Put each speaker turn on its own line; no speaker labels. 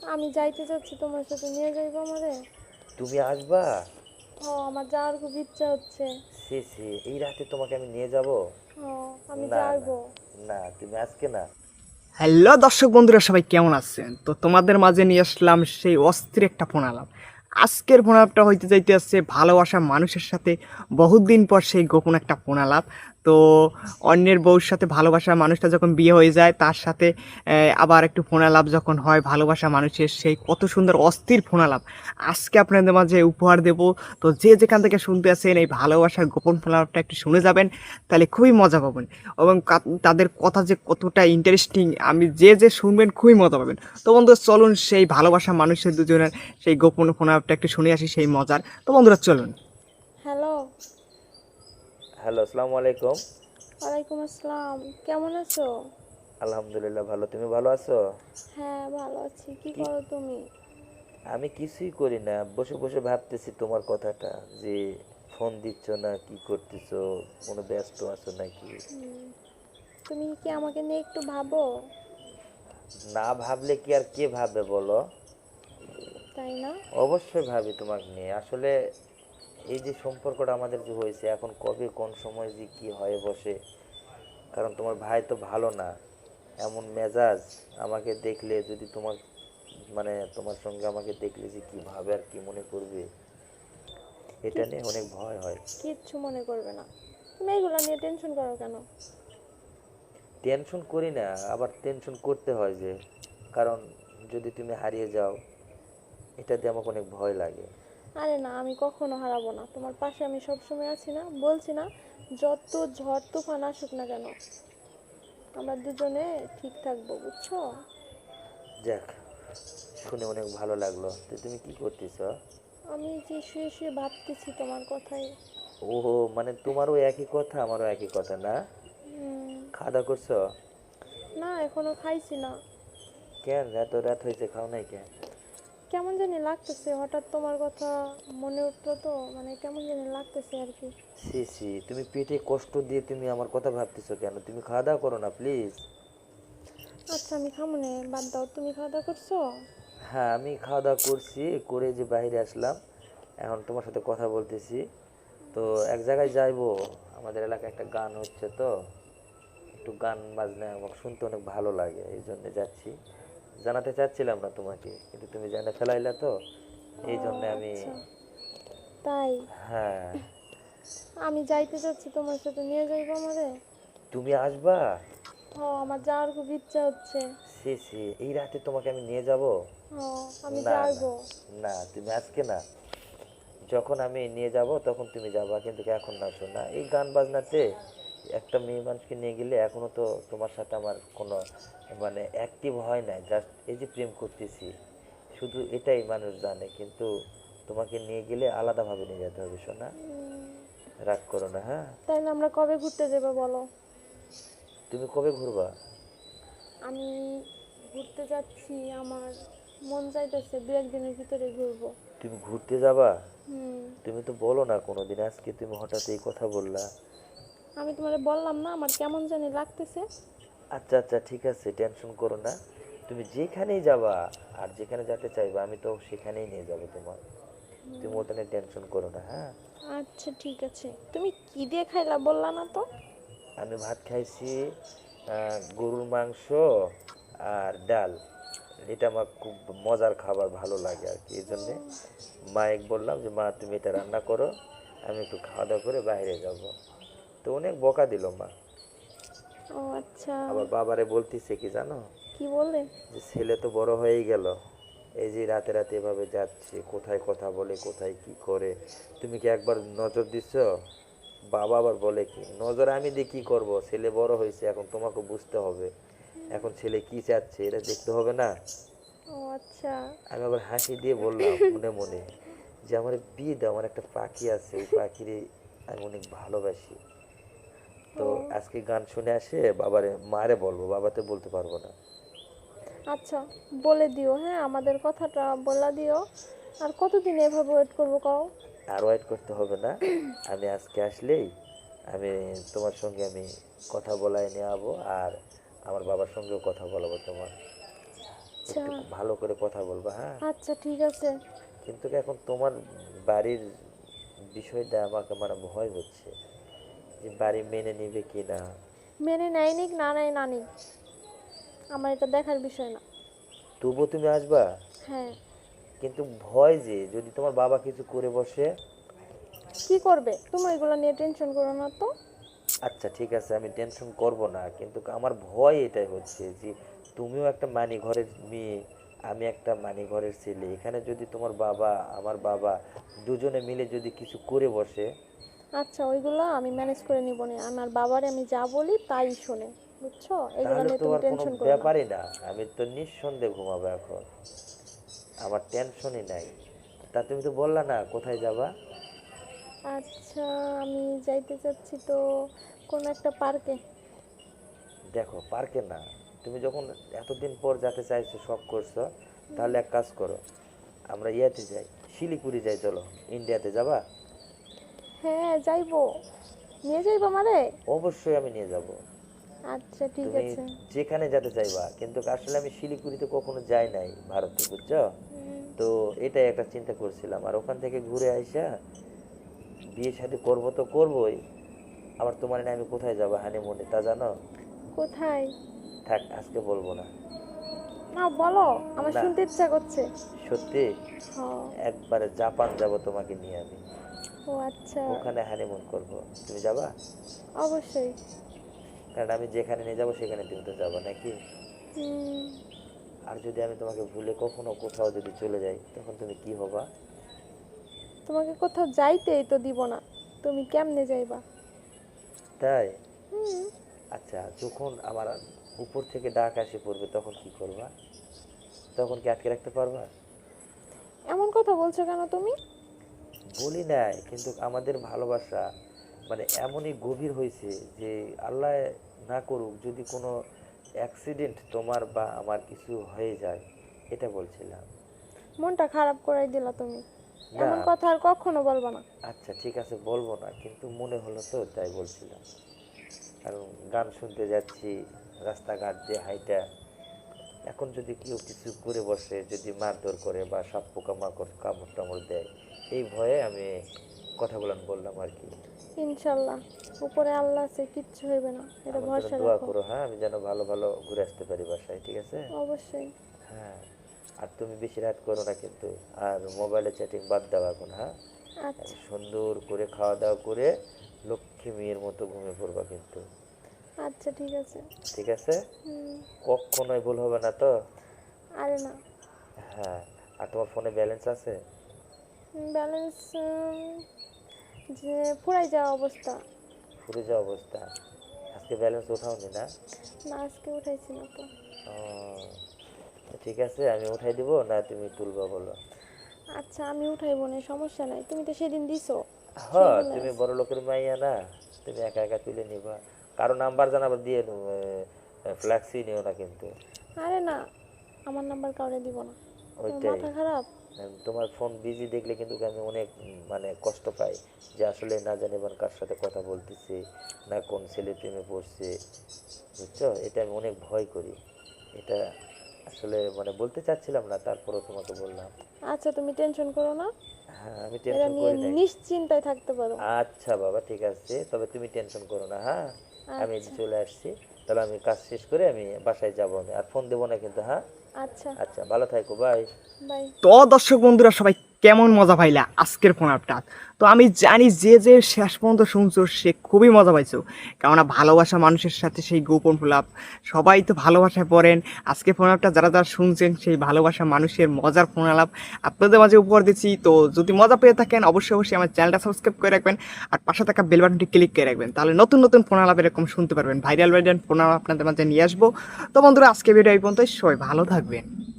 আমি যাইতে চাচ্ছি, তোমার সাথে নিয়ে যাইবো আমারে?
তুমি আসবা?
ও, আমার যাওয়ার খুব ইচ্ছা হচ্ছে।
সে সে এই রাতে তোমাকে আমি নিয়ে যাব?
ও, আমি
না না
যাইবো।
না, তুমি আজকে না।
হ্যালো দর্শক বন্ধুরা, সবাই কেমন আছেন? তো তোমাদের মাঝে নিয়ে আসলাম সেই অস্থির একটা ফোন আলাপ। আজকের ফোন আলাপটা হইতে যাইতে আসছে ভালোবাসা মানুষের সাথে বহুদিন পর সেই গোপন একটা ফোন আলাপ। তো অন্যের বউর সাথে ভালোবাসা মানুষটা যখন বিয়ে হয়ে যায়, তার সাথে আবার একটু ফোন আলাপ যখন হয় ভালোবাসা মানুষের, সেই কত সুন্দর অস্থির ফোন আলাপ আজকে আপনাদের মাঝে উপহার দেব। তো যে যেখান থেকে শুনতে আছেন এই ভালোবাসার গোপন ফোন আলাপটা একটু শুনে যাবেন, তাহলে খুবই মজা পাবেন। এবং তাদের কথা যে কতটা ইন্টারেস্টিং, আমি যে শুনবেন খুবই মজা পাবেন। তো বন্ধুরা চলুন সেই ভালোবাসা মানুষের দুজনের সেই গোপন ফোন আলাপটা একটু শুনে আসি সেই মজার। তো বন্ধুরা চলুন।
হ্যালো।
হ্যালো, আসসালামু আলাইকুম।
ওয়ালাইকুম আসসালাম। কেমন আছো?
আলহামদুলিল্লাহ ভালো, তুমি ভালো আছো?
হ্যাঁ, ভালো আছি। কি
কি?
করো তুমি?
আমি কিছুই করি না, বসে বসে ভাবতেছি তোমার কথাটা, যে ফোন দিচ্ছ না, কি করতেছো, কোনো ব্যস্ত আছো নাকি?
তুমি কি আমাকে নিয়ে একটু ভাবো?
না ভাবলে কি আর কে ভাববে বলো?
তাই না?
অবশ্যই ভাবি তোমাকে নিয়ে। আসলে এই যে সম্পর্কটা আমাদের যে হয়েছে, এখন কবে কোন সময় যে কি হয়ে বসে। কারণ তোমার ভাই তো ভালো না, এমন মেজাজ। আমাকে দেখলে যদি তোমার মানে তোমার সঙ্গে আমাকে দেখলে যে কি ভাবে আর কি মনে করবে, এটা নিয়ে
কিচ্ছু
অনেক ভয় হয়।
কিচ্ছু মনে করবে না। তুমি এগুলো নিয়ে টেনশন করো কেন?
টেনশন করি না, আবার টেনশন করতে হয় যে, কারণ যদি তুমি হারিয়ে যাও, এটা দিয়ে আমাকে অনেক ভয় লাগে।
আরে না, আমি কখনো হারাবো না। তোমার পাশে আমি সবসময় আছি না, বলছি না? যত ঝড় তুফান আসুক না কেন, আমরা দুজনে ঠিক থাকবো, বুঝছো?
যাক, শুনে অনেক ভালো লাগলো। তো তুমি কি করতেছ?
আমি যে শুয়ে শুয়ে ভাবতেছি তোমার কথাই।
ওহো, মানে তোমারও একই কথা আমারও একই কথা না? খাওয়া দাওয়া করছো?
না, এখনো খাইছি না।
কেন এত রাত হয়েছে, খাও নাই কেন?
কেমন জানি লাগতেছে, হঠাৎ তোমার কথা মনে উঠলো তো, মানে কেমন জানি লাগতেছে আর কি।
সি সি, তুমি পেটে কষ্ট দিয়ে তুমি আমার কথা ভাবতেছো কেন? তুমি খাওয়া দাওয়া করো না প্লিজ।
আচ্ছা, আমি খামো নে, বাদ দাও। তুমি খাওয়া দাওয়া করছো?
হ্যাঁ, আমি খাওয়া দাওয়া করছি, করে যে বাইরে আসলাম, এখন তোমার সাথে কথা বলতেছি। তো এক জায়গায় যাইবো, আমাদের এলাকায় একটা গান হচ্ছে, তো একটু গান বাজনা আমার শুনতে অনেক ভালো লাগে, এই জন্য যাচ্ছি। জানাতে চাচ্ছিলাম না তোমাকে, কিন্তু তুমি জানা ফেলাইলা তো,
ও
এই জন্য আমি।
আচ্ছা, তাই?
হ্যাঁ।
আমি যাইতে চাচ্ছি, তোমার সাথে নিয়ে যাইবো আমারে?
তুমি আসবা?
ও, আমার যাওয়ার খুব ইচ্ছা হচ্ছে।
সে সে এই রাতে তোমাকে আমি নিয়ে যাব?
ও, আমি
না না
যাইবো।
না, তুমি আজকে না, যখন আমি নিয়ে যাব তখন তুমি যাবা, কিন্তু এখন না। শোনা, এই গান বাজনাতে একটা মেয়ে মানুষকে নিয়ে গেলে এখনো তো তোমার সাথে আমার কোনো মানে অ্যাক্টিভ হয় না, জাস্ট এই যে প্রেম করতেছি, শুধু এটাই মানুষ জানে। কিন্তু তোমাকে নিয়ে গেলে আলাদাভাবে নিয়ে যেতে হবে শোনা, রাগ করো না, হ্যাঁ?
তাইলে আমরা কবে ঘুরতে যাবো বলো?
তুমি কবে ঘুরবা?
আমি ঘুরতে যাচ্ছি, আমার মন চাইতেছে দু একদিনের ভিতরে ঘুরবো।
তুমি ঘুরতে যাবা?
হুম।
তুমি তো বলো না কোনোদিন, আজকে তুমি হঠাৎ এই কথা বললা।
আমি তোমারে বললাম না, আমার কেমন জানি লাগতেছে।
আচ্ছা আচ্ছা, ঠিক আছে, টেনশন করো না। তুমি যেখানেই যাবা আর যেখানে যেতে চাইবা, আমি তো সেখানেই নিয়ে যাব তোমার। তুমি ওটা নিয়ে টেনশন করো না, হ্যাঁ?
আচ্ছা ঠিক আছে। তুমি কি দিয়ে খাইলা বললা না তো?
আমি ভাত খাইছি, গরুর মাংস আর ডাল। এটা আমার খুব মজার খাবার, ভালো লাগে আর কি, এই জন্যে মায়ের বললাম যে মা তুমি এটা রান্না করো, আমি একটু খাওয়া দাওয়া করে বাইরে যাব। তো অনেক বকা দিল মা।
ও আচ্ছা।
আবার বাবারে বলতেছে কি জানো,
কি বলে?
যে ছেলে তো বড় হয়েই গেল, এই যে রাতে রাতে এভাবে যাচ্ছে, কোথায় কথা বলে, কোথায় কি করে, তুমি কি একবার নজর দিচ্ছ? বাবা আবার বলে কি, নজর আমি দিয়ে কি করব, ছেলে বড় হয়েছে, এখন তোমাকে বুঝতে হবে, এখন ছেলে কি চাচ্ছে এটা দেখতে হবে না?
ও আচ্ছা।
আমি আবার হাসি দিয়ে বললাম মনে মনে, যে আমার বিয়ে দাও, আমার একটা পাখি আছে, ওই পাখির আমি অনেক ভালোবাসি। তো
ও
আজকে গান শুনে আসে বাবারে মারে বলবো, বাবাতে বলতে পারবো না।
আচ্ছা, বলে দিও, হ্যাঁ, আমাদের কথাটা বলে দিও। আর কতদিন এভাবে ওয়েট করবো কও?
আর ওয়েট করতে হবে না, আমি আজকে আসলেই আমি তোমার সঙ্গে আমি কথা বলাই নিয়ে যাবো, আর আমার বাবার সঙ্গেও কথা বলাবো তোমার।
আচ্ছা
একটু ভালো করে কথা বলবা, হ্যাঁ?
আচ্ছা ঠিক আছে।
কিন্তু এখন তোমার বাড়ির বিষয়টা আমাকে মানে ভয় হচ্ছে যে বাড়ি মেনে নিবে কি না।
মেনে নেয় নিক না নেয় না নিক, আমার এটা দেখার বিষয় না।
তবুও তুমি আসবা,
হ্যাঁ।
কিন্তু ভয় যে যদি তোমার বাবা কিছু করে বসে।
কি করবে তুমি এগুলো নিয়ে টেনশন করো না তো।
আচ্ছা ঠিক আছে, আমি টেনশন করব না, কিন্তু আমার ভয় এটাই হচ্ছে যে তুমিও একটা মানি ঘরের মেয়ে, আমি একটা মানি ঘরের ছেলে, এখানে যদি তোমার বাবা আমার বাবা দুজনে মিলে যদি কিছু করে বসে।
আচ্ছা ওইগুলো আমি ম্যানেজ করে নিব না, আমার বাবারে আমি যা বলি তাই শোনে, বুঝছো? এগুলো
তাহলে
নিয়ে
তো
তুমি
আর কোনো
টেনশন করো না।
ব্যাপারই না, আমি তো নিঃসন্দেহে ঘুমাবো এখন, আমার টেনশনই নাই। তা তুমি তো বললা না কোথায় যাবা?
আচ্ছা আমি যাইতে চাচ্ছি তো কোনো একটা পার্কে।
দেখো পার্কে না, তুমি যখন এতদিন পর যেতে চাইছো, শখ করছো, তাহলে এক কাজ করো, আমরা ইয়াতে যাই, শিলিগুড়ি যাই, চলো। ইন্ডিয়াতে যাবা?
হ্যাঁ যাইবো, নিয়ে যাইবো আমারে?
অবশ্যই আমি নিয়ে যাব।
আচ্ছা ঠিক
তুমি
আছে।
যেখানে যেতে চাইবা, কিন্তু আসলে আমি শিলিগুড়িতে কখনো যাই নাই ভারতে, বুঝছো? তো এটাই একটা চিন্তা করছিলাম, আর ওখান থেকে ঘুরে আইসা বিয়ে শাদী করবো তো করবোই, আবার তোমার না আমি কোথায় যাবো হানিমুনে তা জানো?
কোথায়?
থাক, আজকে বলবো না।
না বলো, আমার
না,
শুনতে ইচ্ছা করছে।
সত্যি
হ্যাঁ।
একবারে জাপান যাব তোমাকে নিয়ে আমি,
ও আচ্ছা।
ওখানে হানিমুন করব। তুমি যাবা?
অবশ্যই।
কারণ আমি যেখানে নিয়ে যাবো সেখানে তুমি তো যাবা নাকি?
হুম,
আর যদি আমি তোমাকে ভুলে কখনো কোথাও যদি চলে যাই, তখন তুমি কি হবা?
তোমাকে কোথাও যাইতেই তো দিব না, তুমি কেমনে যাইবা?
তাই?
হুম।
আচ্ছা, যখন আমার উপর থেকে ডাক আসে পড়বে তখন কি করবা? তখন কি আটকে রাখতে পারবা?
এমন কথা বলছো কেন তুমি?
বলি নাই, কিন্তু আমাদের ভালোবাসা মানে এমনই গভীর হয়েছে যে আল্লাহ না করুক যদি কোনো অ্যাক্সিডেন্ট তোমার বা আমার কিছু হয়ে যায়, এটা বলছিলাম।
মনটা খারাপ করাই দিলা তুমি,
না,
এমন কথা আর কখনো বলবা না।
আচ্ছা ঠিক আছে বলবো না, কিন্তু মনে হলো তো তাই বলছিলাম। কারণ গান শুনতে যাচ্ছি রাস্তাঘাট দিয়ে হাইটা, এখন যদি কেউ কিছু করে বসে, যদি মারধর করে বা সাপ পোকা মাকড় কামড় টামড় দেয়, এই ভয়ে আমি কথাগুলো বললাম আর কি।
ইনশাল্লাহ, উপরে আল্লাহ আছে, কিচ্ছু হইবে না, এটা
আমার জন্য
ভরসা
দোয়া
রাখো।
করো, হ্যাঁ? আমি যেন ভালো ভালো ঘুরে আসতে পারি বাসায়, ঠিক আছে?
অবশ্যই।
হ্যাঁ। আর তুমি বেশি রাত করো না কিন্তু, আর মোবাইলে চ্যাটিং বাদ দাও এখন, হ্যাঁ?
আচ্ছা।
সুন্দর করে খাওয়া দাওয়া করে লক্ষ্মী মেয়ের মতো ঘুমিয়ে পড়বা কিন্তু,
আচ্ছা ঠিক আছে।
ঠিক আছে?
হুম।
কখনোই ভুল হবে না তো?
আরে না।
হ্যাঁ। আর তোমার ফোনে ব্যালেন্স আছে?
ব্যালেন্স যে ফুরাই যাওয়া অবস্থা।
ফুরে যাওয়া অবস্থা? আজকে ব্যালেন্স ওঠাওনি না?
না আজকে উঠাইছি না তো।
ও, তো ঠিক আছে, আমি উঠাই দিব না তুমি তুলবা বলো?
আচ্ছা আমি উঠাইবো না, সমস্যা নাই, তুমি তো সেদিন দিছো,
হ্যাঁ,
সেইগুলো
তুমি
আছে।
বড় লোকের মাইয়া না, তুমি একা একা তুলে নিবা, কারো নাম্বার জানাবার দিয়ে ফ্ল্যাক্সি নিও না কিন্তু।
আরে না, আমার নাম্বার কাউরে দিব না। তোমার
ওইটাই,
মাথা খারাপ?
তোমার ফোন বিজি দেখলে কিন্তু আমি অনেক মানে কষ্ট পাই, যে আসলে না জানি এবার কার সাথে কথা বলতেছে, না কোন ছেলে প্রেমে পড়ছে, বুঝছো? এটা আমি অনেক ভয় করি, এটা আসলে মানে বলতে চাচ্ছিলাম না, তারপরেও তোমাকে বললাম।
আচ্ছা তুমি টেনশন করো না,
হ্যাঁ, আমি
এটা
টেনশন
নিয়ে
করি নাই।
নিশ্চিন্তায় থাকতে পারো।
আচ্ছা বাবা ঠিক আছে, তবে তুমি টেনশন করো না, হ্যাঁ? আমি এই যে
আচ্ছা।
চলে আসছি, তাহলে আমি কাজ শেষ করে আমি বাসায় যাবো, আমি আর ফোন দেবো না কিন্তু, হ্যাঁ?
আচ্ছা।
আচ্ছা, ভালো থাকো, বাই।
বাই।
তো দর্শক বন্ধুরা সবাই কেমন মজা পাইলা আজকের ফোন আপটা। তো আমি জানি যে যে শেষ পর্যন্ত শুনছো সে খুবই মজা পাইছো, কেননা ভালোবাসা মানুষের সাথে সেই গোপন ফোলাপ, সবাই তো ভালোবাসায় পড়েন। আজকে ফোন আপটা যারা যারা শুনছেন সেই ভালোবাসা মানুষের মজার ফোন আলাপ আপনাদের মাঝে উপহার দিচ্ছি। তো যদি মজা পেয়ে থাকেন অবশ্যই অবশ্যই আমার চ্যানেলটা সাবস্ক্রাইব করে রাখবেন, আর পাশে থাকা বেল বাটনটি ক্লিক করে রাখবেন, তাহলে নতুন নতুন ফোন আলাপ এরকম শুনতে পারবেন, ভাইরাল ভাইরাল ফোন আলাপ আপনাদের মাঝে নিয়ে আসবো। তো বন্ধুরা আজকে ভিডিও এই পর্যন্তই, সবাই ভালো থাকবেন।